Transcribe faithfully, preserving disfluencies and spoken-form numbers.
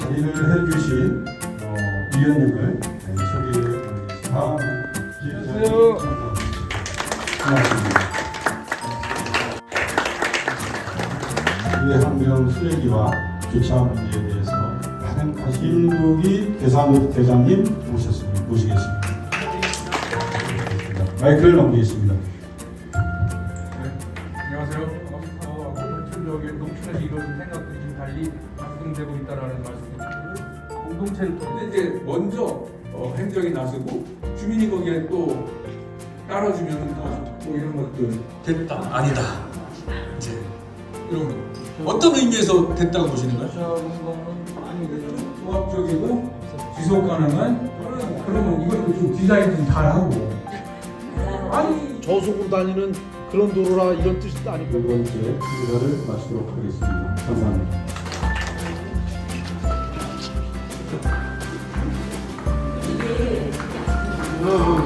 자리를 해주신 어, 위원님을 네, 소개해드리겠습니다. 안녕하세요. 고맙습니다. 외환경 쓰레기와 교차 문제에 대해서 가능하신 김국희 대상 대장님 모셨습니다. 모시겠습니다. 마이크를 넘기겠습니다. 네, 안녕하세요. 어, 농촌적인 농촌에서 이루어진 생각들이 좀 달리 작동되고 있다라는 말씀이고 공동체를 통해 이제 먼저 어, 행정이 나서고 주민이 거기에 또 따라주면 뭐 이런 것들 됐다 아니다 이제 이런 거 어떤 의미에서 됐다고 보시는 거예요? 조합적이고 지속 가능한 그러면 이것도 좀 디자인 좀 잘하고 아니 저속으로 다니는 그런 도로라 이런 뜻도 아니고 두 번째 인사를 마치도록 하겠습니다. 감사합니다. 이게